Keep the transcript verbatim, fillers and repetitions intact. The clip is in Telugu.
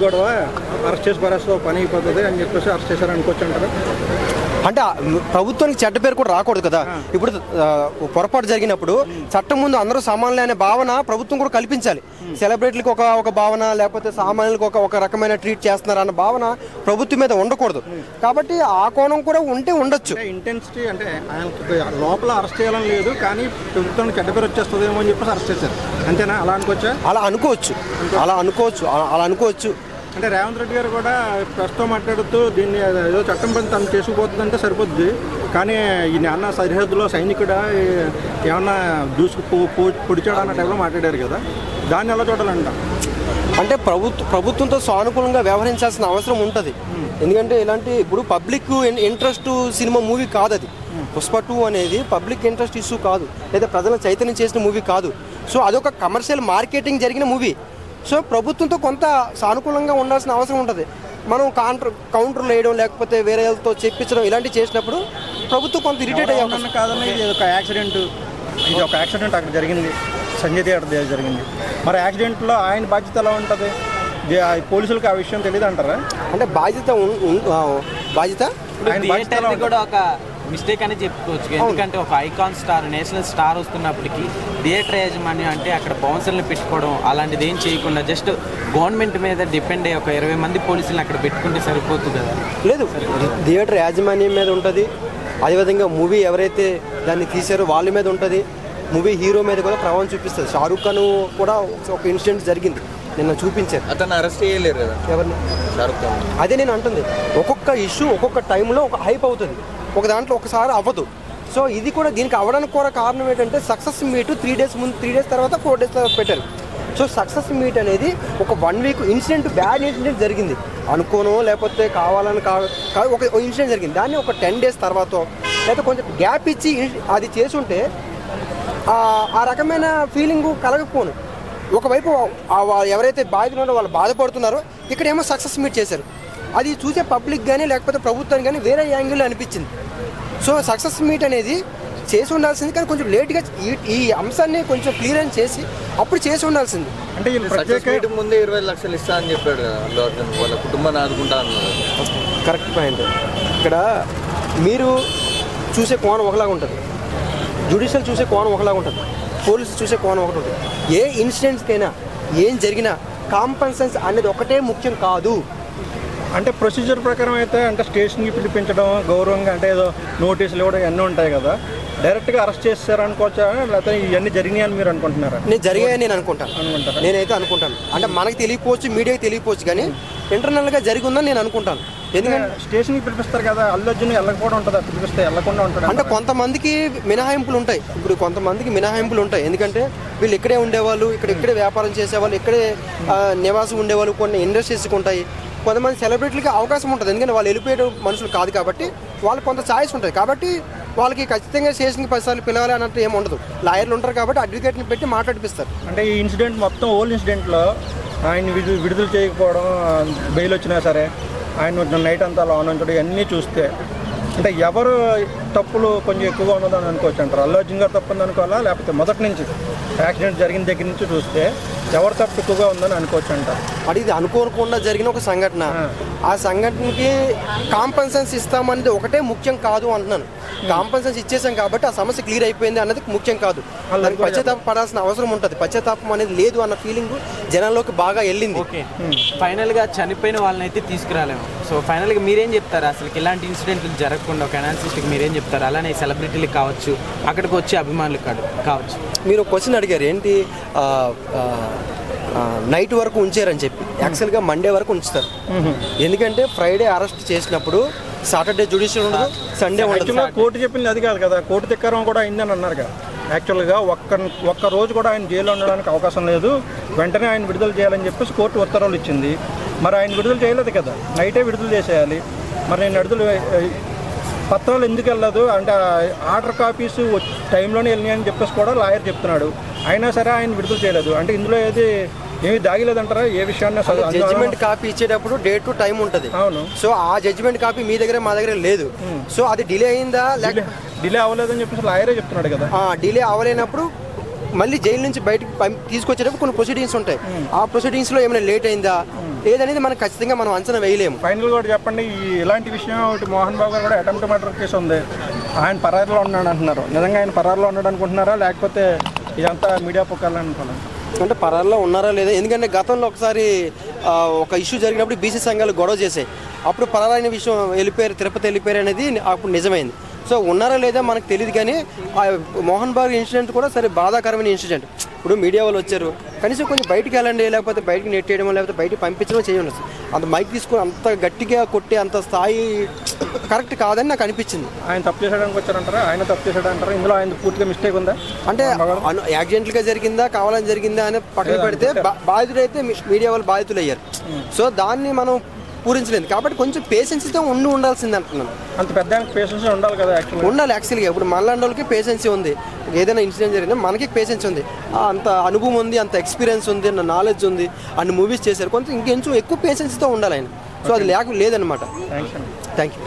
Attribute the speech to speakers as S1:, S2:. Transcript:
S1: గొడవ అరెస్ట్ చేసి పరేస్తే పని అయిపోతుంది అని చెప్పేసి అరెస్ట్ చేశారు అనుకోవచ్చు అంటారు.
S2: అంటే ప్రభుత్వానికి చెడ్డ పేరు కూడా రాకూడదు కదా. ఇప్పుడు పొరపాటు జరిగినప్పుడు చట్టం ముందు అందరూ సమానులే అనే భావన ప్రభుత్వం కూడా కల్పించాలి. సెలబ్రిటీలకు ఒక ఒక భావన, లేకపోతే సామాన్యులకు ఒక ఒక రకమైన ట్రీట్ చేస్తున్నారు అన్న భావన ప్రభుత్వం మీద ఉండకూడదు. కాబట్టి ఆ కోణం కూడా ఉంటే ఉండొచ్చు.
S1: ఇంటెన్సిటీ అంటే ఆయనకి లోపల అరెస్ట్ చేయాలని లేదు, కానీ ప్రభుత్వానికి చెడ్డ పేరు వచ్చేస్తుందేమో అని చెప్పేసి అరెస్ట్ చేశారు, అంతేనా? అలా అనుకోవచ్చా?
S2: అలా అనుకోవచ్చు అలా అనుకోవచ్చు అలా అనుకోవచ్చు
S1: అంటే రేవంత్ రెడ్డి గారు కూడా ప్రస్తుతం మాట్లాడుతూ దీన్ని ఏదో చట్టం పని తను చేసుకుపోతుందంటే సరిపోద్ది, కానీ ఈయన అన్న సరిహద్దులో సైనికుడా ఏమన్నా దూసుకు పొడిచాడు అన్న టైంలో మాట్లాడారు కదా, దాన్ని ఎలా చూడాలంట?
S2: అంటే ప్రభుత్వ ప్రభుత్వంతో సానుకూలంగా వ్యవహరించాల్సిన అవసరం ఉంటుంది. ఎందుకంటే ఇలాంటి ఇప్పుడు పబ్లిక్ ఇంట్రెస్ట్ సినిమా మూవీ కాదు అది. పుష్ప టూ అనేది పబ్లిక్ ఇంట్రెస్ట్ ఇష్యూ కాదు, లేదా ప్రజలను చైతన్యం చేసిన మూవీ కాదు. సో అదొక కమర్షియల్ మార్కెటింగ్ జరిగిన మూవీ. సో ప్రభుత్వంతో కొంత సానుకూలంగా ఉండాల్సిన అవసరం ఉంటుంది. మనం కౌంటర్ కౌంటర్లు వేయడం, లేకపోతే వేరే వాళ్ళతో చెప్పించడం ఇలాంటివి చేసినప్పుడు ప్రభుత్వం కొంత ఇరిటేట్ అయ్యే అవకాశం.
S1: కాదని ఇది ఒక యాక్సిడెంట్ ఇది ఒక యాక్సిడెంట్ అక్కడ జరిగింది, సంజయ్ థియేటర్ జరిగింది. మరి యాక్సిడెంట్లో ఆయన బాధ్యత ఎలా ఉంటుంది? పోలీసులకు ఆ విషయం తెలియదు అంటారా?
S2: అంటే బాధ్యత బాధ్యత
S3: కూడా ఒక మిస్టేక్ అని చెప్పుకోవచ్చు. ఎందుకంటే ఒక ఐకాన్ స్టార్, నేషనల్ స్టార్ వస్తున్నప్పటికీ థియేటర్ యాజమాన్యం అంటే అక్కడ బౌన్సర్లు పెట్టుకోవడం అలాంటిది ఏం చేయకుండా జస్ట్ గవర్నమెంట్ మీద డిపెండ్ అయ్యి ఒక ఇరవై మంది పోలీసులను అక్కడ పెట్టుకుంటే సరిపోతుంది కదా.
S2: లేదు, థియేటర్ యాజమాన్యం మీద ఉంటుంది. అదేవిధంగా మూవీ ఎవరైతే దాన్ని తీశారో వాళ్ళ మీద ఉంటుంది. మూవీ హీరో మీద కూడా ప్రభావం చూపిస్తుంది. షారూఖ్ ఖాన్ కూడా ఒక ఇన్సిడెంట్ జరిగింది, నిన్న చూపించారు.
S4: అతను అరెస్ట్ చేయలేరు కదా
S2: ఎవరిని?
S4: షారూఖ్ ఖాన్.
S2: అదే నేను అంటుంది, ఒక్కొక్క ఇష్యూ ఒక్కొక్క టైంలో ఒక హైప్ అవుతుంది, ఒక దాంట్లో ఒకసారి అవ్వదు. సో ఇది కూడా దీనికి అవ్వడానికి కూడా కారణం ఏంటంటే సక్సెస్ మీట్ త్రీ డేస్ ముందు త్రీ డేస్ తర్వాత ఫోర్ డేస్ తర్వాత పెట్టారు. సో సక్సెస్ మీట్ అనేది ఒక one week incident, bad incident జరిగింది అనుకోనో లేకపోతే కావాలని కాదు ఒక ఇన్సిడెంట్ జరిగింది. దాన్ని ఒక టెన్ డేస్ తర్వాత లేకపోతే కొంచెం గ్యాప్ ఇచ్చి అది చేసుంటే ఆ రకమైన ఫీలింగ్ కలగకపోను. ఒకవైపు ఎవరైతే బాధితులు వాళ్ళు బాధపడుతున్నారో ఇక్కడేమో సక్సెస్ మీట్ చేశారు. అది చూసే పబ్లిక్ కానీ లేకపోతే ప్రభుత్వానికి కానీ వేరే యాంగిల్లో అనిపించింది. సో సక్సెస్ మీట్ అనేది చేసి ఉండాల్సింది, కానీ కొంచెం లేట్గా ఈ ఈ అంశాన్ని కొంచెం క్లియర్ చేసి అప్పుడు చేసి ఉండాల్సింది.
S4: అంటే ప్రత్యేక ముందే ఇరవై లక్షలు ఇస్తా అని చెప్పాడు కదా అల్లు అర్జున్, వాళ్ళ కుటుంబాన్ని ఆదుకుంటా అన్నారు.
S2: Correct point. ఇక్కడ మీరు చూసే కోణం ఒకలాగా ఉంటుంది, జ్యుడిషియల్ చూసే కోణం ఒకలాగా ఉంటుంది, పోలీసు చూసే కోణం ఒకటి ఉంటుంది. ఏ ఇన్సిడెంట్స్కైనా ఏం జరిగినా కాంపన్సెన్స్ అనేది ఒకటే ముఖ్యం కాదు.
S1: అంటే ప్రొసీజర్ ప్రకారం అయితే అంటే స్టేషన్కి పిలిపించడం గౌరవంగా, అంటే ఏదో నోటీసులు ఇవ్వడం ఇవన్నీ ఉంటాయి కదా, డైరెక్ట్గా అరెస్ట్ చేస్తారు అనుకోవచ్చా, లేకపోతే ఇవన్నీ జరిగినాయి అని మీరు అనుకుంటున్నారా?
S2: నేను జరిగాయని నేను అనుకుంటాను అనుకుంటాను నేనైతే అనుకుంటాను. అంటే మనకి తెలియకపోవచ్చు, మీడియాకి తెలియకపోవచ్చు, కానీ ఇంటర్నల్గా జరిగి ఉందని నేను అనుకుంటాను. ఎందుకంటే
S1: స్టేషన్కి పిలిపిస్తారు కదా, అల్లు అర్జున్ వెళ్ళకపోవడం ఉంటుందా? పిలిపిస్తే వెళ్ళకుండా ఉంటుంది
S2: అంటే కొంతమందికి మినహాయింపులు ఉంటాయి. ఇప్పుడు కొంతమందికి మినహాయింపులు ఉంటాయి, ఎందుకంటే వీళ్ళు ఇక్కడే ఉండేవాళ్ళు, ఇక్కడ ఇక్కడే వ్యాపారం చేసేవాళ్ళు, ఇక్కడే నివాసం ఉండేవాళ్ళు, కొన్ని ఇండస్ట్రీస్కి ఉంటాయి. కొంతమంది సెలబ్రిటీలకి అవకాశం ఉంటుంది, ఎందుకంటే వాళ్ళు వెళ్ళిపోయే మనుషులు కాదు కాబట్టి వాళ్ళకి కొంత ఛాయిస్ ఉంటుంది. కాబట్టి వాళ్ళకి ఖచ్చితంగా స్టేషన్కి పదిసార్లు పిలవాలి అన్నట్టు ఏమి ఉండదు. లాయర్లు ఉంటారు కాబట్టి అడ్వకేట్ని పెట్టి మాట్లాడిపిస్తారు.
S1: అంటే ఈ ఇన్సిడెంట్ మొత్తం ఓల్డ్ ఇన్సిడెంట్లో ఆయన విడుదల విడుదల చేయకపోవడం, బెయిల్ వచ్చినా సరే ఆయన నైట్ అంతా అలా ఉంచడం ఇవన్నీ చూస్తే అంటే ఎవరు తప్పులు కొంచెం ఎక్కువగా ఉన్నదని అనుకోవచ్చు అంటారు? అల్లు అర్జున్ గారు తప్పు ఉంది అనుకోవాలా, లేకపోతే మొదటి నుంచి యాక్సిడెంట్ జరిగిన దగ్గర నుంచి చూస్తే ఎవరు తప్పు ఎక్కువగా ఉందని అనుకోవచ్చు అంటారు?
S2: అది ఇది అనుకోకుండా జరిగిన ఒక సంఘటన, ఆ సంఘటనకి కాంపన్సెన్స్ ఇస్తామనేది ఒకటే ముఖ్యం కాదు అంటున్నాను. కాంపన్సెన్స్ ఇచ్చేసాం కాబట్టి ఆ సమస్య క్లియర్ అయిపోయింది అన్నది ముఖ్యం కాదు. దానికి పశ్చాత్తాప పడాల్సిన అవసరం ఉంటుంది. పశ్చాత్తాపం అనేది లేదు అన్న ఫీలింగ్ జనాల్లోకి బాగా వెళ్ళింది.
S3: ఓకే, ఫైనల్గా చనిపోయిన వాళ్ళని అయితే తీసుకురాలేము. సో ఫైనల్గా మీరేం చెప్తారు? అసలు ఇలాంటి ఇన్సిడెంట్లు జరగకుండా ఒక అనాలిసిస్ట్కి మీరేం చెప్తారు? అలానే సెలబ్రిటీలకు కావచ్చు, అక్కడికి వచ్చే అభిమానులకు కావచ్చు.
S2: మీరు క్వశ్చన్ అడిగారు ఏంటి, నైట్ వరకు ఉంచారని చెప్పి. యాక్చువల్గా మండే వరకు ఉంచుతారు, ఎందుకంటే ఫ్రైడే అరెస్ట్ చేసినప్పుడు సాటర్డే జ్యుడిషియల్ ఉండదు, సండే ఉండదు.
S1: కోర్టు చెప్పింది అది కాదు కదా, కోర్టు తిక్కరం కూడా అయిందని అన్నారు కదా. యాక్చువల్గా ఒక్క ఒక్క రోజు కూడా ఆయన జైల్లో ఉండడానికి అవకాశం లేదు, వెంటనే ఆయన విడుదల చేయాలని చెప్పేసి కోర్టు ఉత్తర్వులు ఇచ్చింది. మరి ఆయన విడుదల చేయలేదు కదా, నైటే విడుదల చేసేయాలి. మరి నేను విడుదల పత్రాలు ఎందుకు వెళ్ళదు అంటే ఆర్డర్ కాపీస్ టైంలోనే వెళ్ళినాయని చెప్పేసి కూడా లాయర్ చెప్తున్నాడు. అయినా సరే ఆయన విడుదల చేయలేదు. అంటే ఇందులో ఏది ఏమి దాగిలేదంటారా? ఏ విషయాన్ని
S2: జడ్జిమెంట్ కాపీ ఇచ్చేటప్పుడు డేట్ టు టైం ఉంటుంది.
S1: అవును.
S2: సో ఆ జడ్జిమెంట్ కాపీ మీ దగ్గర మా దగ్గర లేదు. సో అది డిలే అయిందా లేక
S1: డిలే అవ్వలేదని చెప్పేసి లాయరే చెప్తున్నాడు కదా.
S2: డిలే అవ్వలేనప్పుడు మళ్ళీ జైలు నుంచి బయటకు పం- తీసుకొచ్చేటప్పుడు కొన్ని ప్రొసీడింగ్స్ ఉంటాయి. ఆ ప్రొసీడింగ్స్లో ఏమైనా లేట్ అయిందా లేదనేది మనం ఖచ్చితంగా మనం అంచనా వేయలేము.
S1: ఫైనల్ కూడా చెప్పండి, ఈ ఇలాంటి విషయం ఒకటి మోహన్ బాబు గారు కూడా అటెంప్ట్ మర్డర్ కేసు ఉంది, ఆయన పరారులో ఉన్నాడు అంటున్నారు. నిజంగా ఆయన పరారులో ఉన్నాడు అనుకుంటున్నారా లేకపోతే ఇదంతా మీడియా పుకార్లు అనుకున్నాను?
S2: అంటే పరాల్లో ఉన్నారా లేదా, ఎందుకంటే గతంలో ఒకసారి ఆ, ఒక ఇష్యూ జరిగినప్పుడు బీసీ సంఘాలు గొడవ చేసాయి. అప్పుడు పరారైన విషయం వెళ్ళిపోయారు, తిరుపతి వెళ్ళిపోయారు అనేది అప్పుడు నిజమైంది. సో ఉన్నారా లేదా మనకు తెలియదు, కానీ ఆ మోహన్ బాబు ఇన్సిడెంట్ కూడా సరే బాధాకరమైన ఇన్సిడెంట్. ఇప్పుడు మీడియా వాళ్ళు వచ్చారు, కనీసం కొంచెం బయటికి వెళ్ళండి, లేకపోతే బయటికి నెట్టేయడం లేకపోతే బయటికి పంపించడం చేయండి. అంత మైక్ తీసుకొని అంత గట్టిగా కొట్టి అంత స్థాయి కరెక్ట్ కాదని నాకు అనిపించింది.
S1: ఆయన తప్పు చేసాడానికి వచ్చారంటారా? ఆయన తప్పు చేశాడంటారా? ఇందులో ఆయన పూర్తిగా మిస్టేక్ ఉందా?
S2: అంటే అను- యాక్సిడెంట్గా జరిగిందా కావాలని జరిగిందా అని పక్కన పెడితే బా- బాధితుడైతే మీ- మీడియా వాళ్ళు బాధితులు అయ్యారు. సో దాన్ని మనం పూరించలేదు కాబట్టి కొంచెం పేషెన్సీతో ఉండి ఉండాల్సింది అంటున్నాను.
S1: అంత పెద్ద పేషెన్స్ ఉండాలి కదా యాక్చువల్గా.
S2: ఉండాలి యాక్చువల్గా. ఇప్పుడు మనలాంటి వాళ్ళకి పేషెన్సీ ఉంది, ఏదైనా ఇన్సిడెంట్ జరిగినా మనకి పేషెన్స్ ఉంది, ఆ, అంత అనుభవం ఉంది, అంత ఎక్స్పీరియన్స్ ఉంది, అంత నాలెడ్జ్ ఉంది, అన్ని మూవీస్ చేశారు, కొంచెం ఇంకొంచెం ఎక్కువ పేషెన్స్తో ఉండాలి ఆయన. సో అది లేక లేదనమాట.
S1: థ్యాంక్స్ అండి.
S2: Thank you.